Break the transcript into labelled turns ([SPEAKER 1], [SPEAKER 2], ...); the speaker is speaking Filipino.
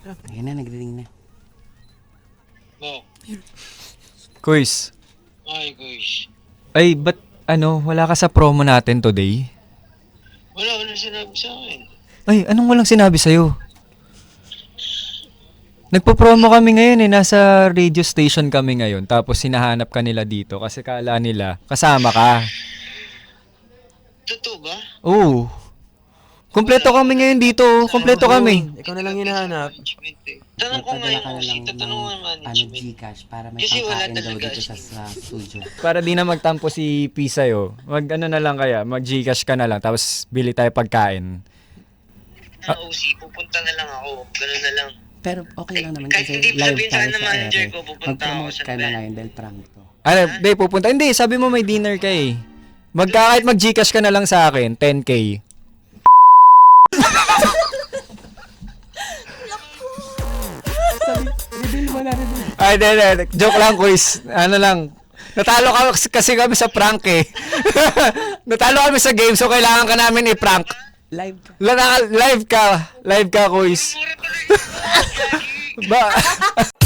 [SPEAKER 1] Ayan na, nagriring na.
[SPEAKER 2] Bo.
[SPEAKER 3] Kuis.
[SPEAKER 2] Ay, guys.
[SPEAKER 3] Ay, ba't wala ka sa promo natin today?
[SPEAKER 2] Wala sinabi sa akin.
[SPEAKER 3] Ay, anong walang sinabi sa'yo? Nagpo-promo kami ngayon nasa radio station kami ngayon. Tapos hinahanap ka nila dito kasi kala nila kasama ka.
[SPEAKER 2] Totoo ba?
[SPEAKER 3] Oo. Kompleto kami ngayon dito. Kompleto kami.
[SPEAKER 4] Ikaw na lang hinahanap.
[SPEAKER 2] Tanong ko nga
[SPEAKER 1] Magpadala
[SPEAKER 2] yung
[SPEAKER 1] ka na lang
[SPEAKER 2] OC, tatanong nga
[SPEAKER 1] ng
[SPEAKER 2] management.
[SPEAKER 1] Gcash para may
[SPEAKER 2] Kasi wala
[SPEAKER 1] pangkain daw
[SPEAKER 2] talaga
[SPEAKER 1] dito
[SPEAKER 2] siya.
[SPEAKER 1] sa studio.
[SPEAKER 3] Para di na magtampo si P sa'yo, na lang kaya, mag-Gcash ka na lang, tapos bili tayo pagkain.
[SPEAKER 2] Ang OC, pupunta na lang ako. Ganun na lang.
[SPEAKER 1] Pero okay lang naman
[SPEAKER 2] Kahit
[SPEAKER 1] kasi
[SPEAKER 2] hindi
[SPEAKER 1] live
[SPEAKER 2] sabihin sa
[SPEAKER 1] tayo
[SPEAKER 2] akin ng
[SPEAKER 1] sa
[SPEAKER 2] manager
[SPEAKER 1] ere.
[SPEAKER 2] ko, pupunta ako
[SPEAKER 1] Mag-promote
[SPEAKER 2] sa
[SPEAKER 1] ka na
[SPEAKER 2] event.
[SPEAKER 1] ngayon dahil prank to.
[SPEAKER 3] Hindi, pupunta. Hindi, sabi mo may dinner ka eh. Kahit mag-Gcash ka na lang sa akin, 10K.
[SPEAKER 1] Reveal mo na, reveal.
[SPEAKER 3] Ay, hindi. Joke lang, quiz. Ano lang. Natalo ka kasi kami sa prank eh. Natalo kami sa game, so kailangan ka namin i-prank.
[SPEAKER 1] Live ka.
[SPEAKER 3] Live ka, quiz.
[SPEAKER 2] Mura pala yun.
[SPEAKER 3] Ba?